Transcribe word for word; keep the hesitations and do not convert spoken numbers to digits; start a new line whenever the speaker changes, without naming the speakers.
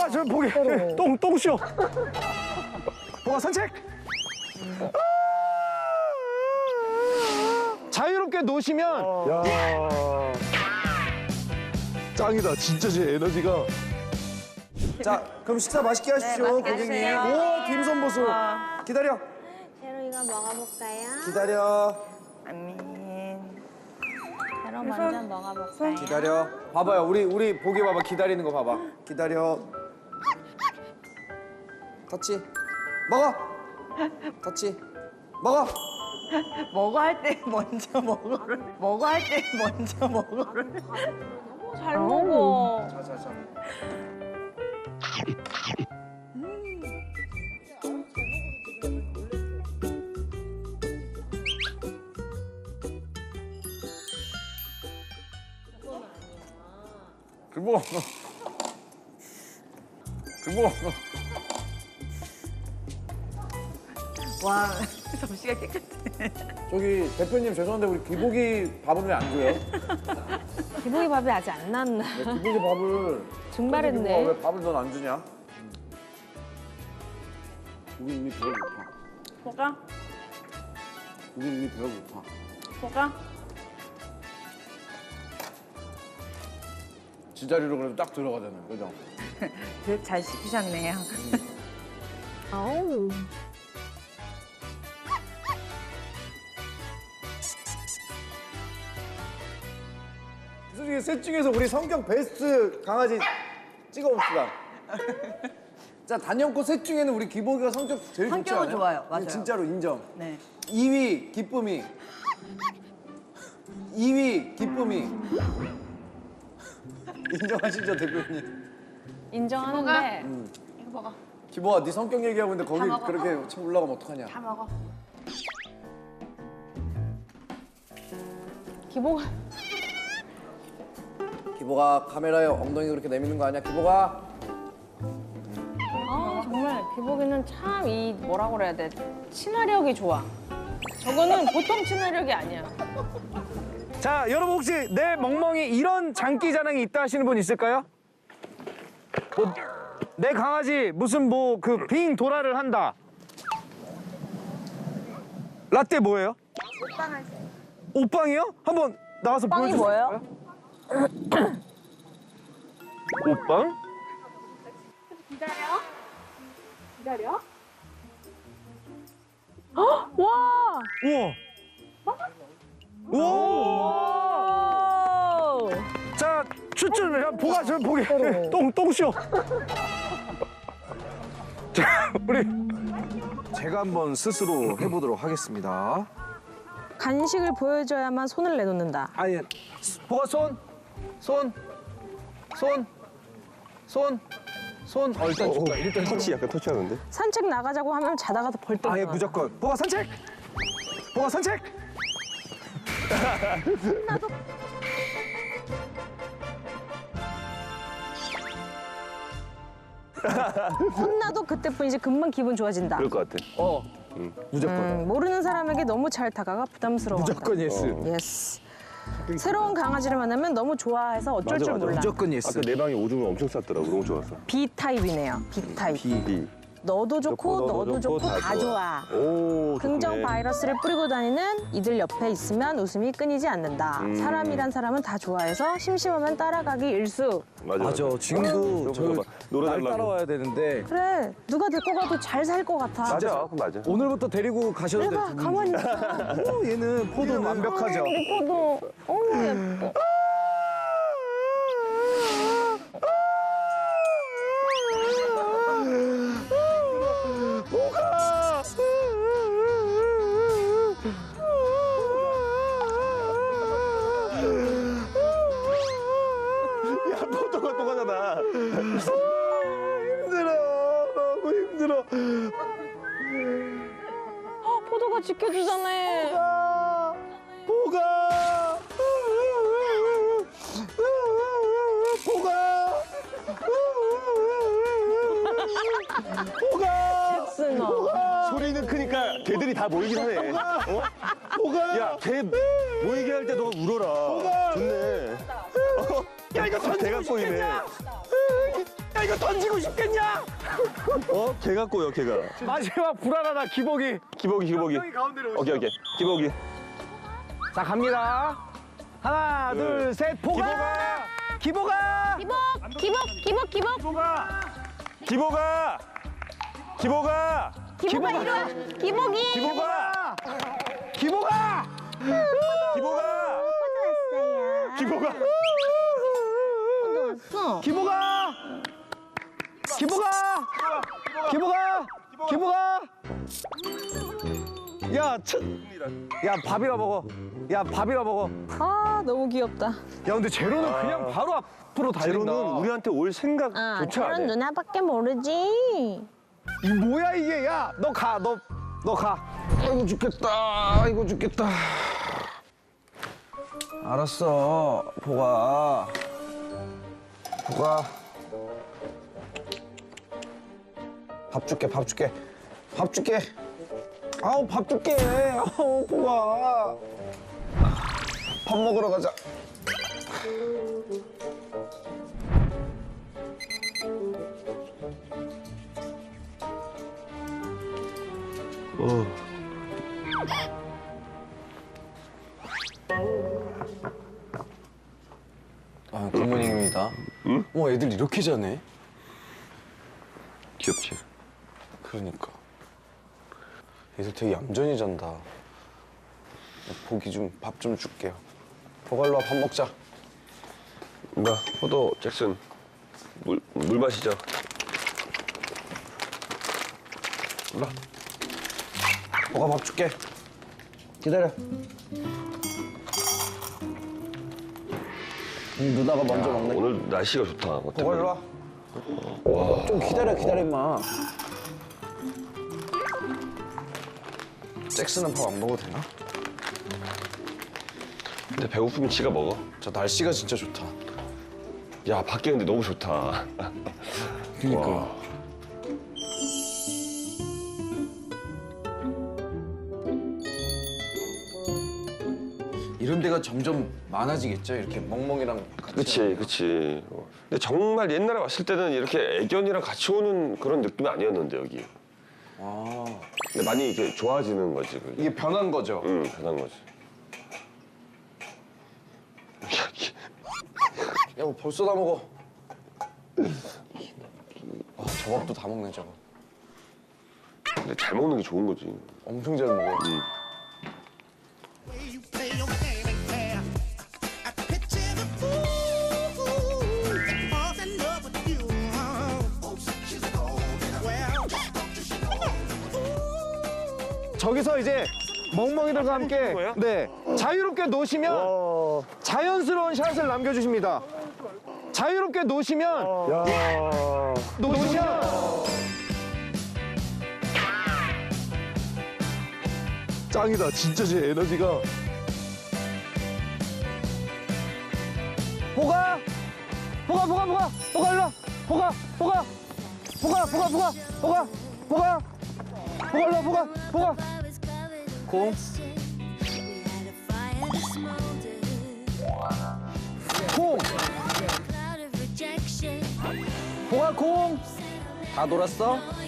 보가 저 보게 똥 똥쇼. 보가 산책. 자유롭게 노시면.
야. 짱이다. 진짜 제 에너지가. 자, 그럼 식사 맛있게 하십시오,
네, 맛있게
고객님.
하세요.
오, 딤섬 보소. 기다려.
제로 이거 먹어볼까요?
기다려.
아민. 제로 먼저 먹어볼까요?
기다려. 봐봐요. 우리 우리 보기 봐봐. 기다리는 거 봐봐. 기다려. 터치. 먹어. 터치. 먹어.
먹어 할 때 먼저 먹어를. 먹어 할 때 먼저 먹어를.
잘 먹어.
자, 자, 자.
그거. 그거.
와, 접시가 깨끗해.
저기 대표님 죄송한데 우리 기복이 밥은 왜 안 줘요?
기복이 밥이 아직 안 나왔나?
왜 기복이 밥을
증발했네.
왜 밥을 넌 안 주냐? 우리 이미 배가 고파.
뭐가?
우리 이미 배가 고파.
뭐가?
지자리로 그래도 딱 들어가잖아요, 그죠?
잘 시키셨네요.
아우.
솔직히 셋 중에서 우리 성격 베스트 강아지 찍어봅시다. 자, 단연코 셋 중에는 우리 기복이가 성격 제일 좋지
성격은
않아요?
좋아요, 맞아요.
진짜로 인정.
네.
이 위 기쁨이. 이 위 기쁨이. 인정하시죠, 대표님?
인정하는데.
이거 먹어.
기복아, 네 성격 얘기하고 있는데 거기
먹어.
그렇게 참 올라가면 어떡하냐?
다 먹어.
기복.
기복아, 카메라에 엉덩이 그렇게 내미는 거 아니야, 기복아?
아 정말 기복이는 참 이 뭐라 그래야 돼? 친화력이 좋아. 저거는 보통 친화력이 아니야.
자, 여러분 혹시 내 멍멍이 이런 장기 자랑이 있다 하시는 분 있을까요? 뭐, 내 강아지 무슨 뭐 그 빙 도라를 한다. 라떼 뭐예요? 옷빵 할 때. 옷빵이요? 한번 나와서
빵이
보여주세요.
뭐예요?
옷빵?
와.
우와. 우와.
오.
자, 추천 야, 보가 저 보게 똥 똥쇼. 자, 우리
제가 한번 스스로 해보도록 하겠습니다.
간식을 보여줘야만 손을 내놓는다.
아니,
보가 손, 손, 손, 손, 손. 어, 일단 줄까? 일단
터치 약간 터치하는데?
산책 나가자고 하면 자다가서 벌떡
아예
일어나.
무조건 보가 산책. 보가 산책.
혼나도 그때뿐이지 금방 기분 좋아진다.
그럴 것 같아.
어, 무조건.
음, 모르는 사람에게 너무 잘 다가가 부담스러워한다.
무조건 예스.
예스. 새로운 강아지를 만나면 너무 좋아해서 어쩔
맞아,
줄
맞아.
몰라.
무조건 예스.
아까 내 방에 오줌을 엄청 쌌더라고. 너무 좋았어.
B 타입이네요. B 타입.
비.
너도 좋고 너도 좋고 다 좋아.
오,
긍정
좋네.
바이러스를 뿌리고 다니는 이들 옆에 있으면 웃음이 끊이지 않는다.
음.
사람이란 사람은 다 좋아해서 심심하면 따라가기 일수.
맞아,
맞아.
맞아.
지금도
저거
저
봐. 노래
날
달라고.
따라와야 되는데
그래, 누가 데리고 가도 잘 살 것 같아.
맞아, 그거 맞아.
오늘부터 데리고 가셔도
내가
될
가만히 있어.
어, 얘는 포도는 완벽하죠.
우리 포도. 어우, 예뻐.
야, 포도가 또 가잖아.
힘들어, 너무 힘들어.
포도가 지켜주잖아.
보가, 보가, 보가.
잭슨아.
소리는 크니까 개들이 다 모이긴 하네. 어?
보가.
야, 개 모이게 할 때 너가 울어라. 좋네. 어? 야, 이거 다 개가 꼬이네.
야,
이거 던지고 싶겠냐?
어? 개 같고요, 개가.
마지막 불안하다 기복이.
기복이, 기복이.
가운데로
오케이, 오케이. 기복이.
자 갑니다. 하나 둘 셋 보가. 기복아.
기복, 기복, 기복, 기복.
기복아! 기복아! 기복아!
기복아 이리 와. 기복이.
기복아!
기복아.
기복아! 기복아!
왔어.
기복아. 기복아. 기복아. 기복아. 야, 차, 야 밥이라 먹어. 야 밥이라 먹어.
아 너무 귀엽다.
야 근데 제로는 그냥 바로 앞으로 달린다.
제로는 우리한테 올 생각
아
조차 안
저런
해.
누나밖에 모르지.
이 뭐야 이게? 야 너 가. 너 너 가. 아이고 죽겠다. 아이고 죽겠다.
알았어, 보가. 보가. 밥 줄게, 밥 줄게. 밥 줄게. 아우, 밥 줄게. 아우, 보가. 밥 먹으러 가자.
아, 굿모닝입니다. 응? 어, 애들 이렇게 자네?
귀엽지?
그러니까. 애들 되게 얌전히 잔다. 보기 좀 밥 좀 줄게요. 보갈로 와, 밥 먹자.
나 포도 잭슨 물, 물 마시자.
일로 보가 밥 줄게.
기다려. 음, 누나가 먼저 먹네.
오늘 날씨가 좋다. 어때?
보가 일로 와.
좀 기다려, 기다려, 임마.
잭슨은 밥 안 먹어도 되나?
근데 배고프면 지가 먹어.
저 날씨가 진짜 좋다.
야, 밖에 근데 너무 좋다.
그러니까. 이런 데가 점점 많아지겠죠? 이렇게 멍멍이랑 같이.
그치, 그치. 어. 근데 정말 옛날에 왔을 때는 이렇게 애견이랑 같이 오는 그런 느낌이 아니었는데, 여기.
아,
근데 많이 이렇게 좋아지는 거지, 그게.
이게 변한 거죠?
응, 변한 거지.
야, 뭐 벌써 다 먹어. 아, 저 밥도 다 먹네, 저거.
근데 잘 먹는 게 좋은 거지.
엄청 잘 먹어.
응.
You play your game and care. I picture the fool that falls in love with you. Oh, she's a golden. Well,
저기서 이제 멍멍이들과 함께 네 자유롭게 노시면
어,
자연스러운 샷을 남겨주십니다. 자유롭게 노시면
야.
노시면
짱이다. 진짜 제 에너지가.
보가 보가 보가 보가 보가 일로 와. 보가 보가 보가 보가 보가 보가 보가 보가 일로 와. 보가 보가 공 공 보가 공 다 돌았어?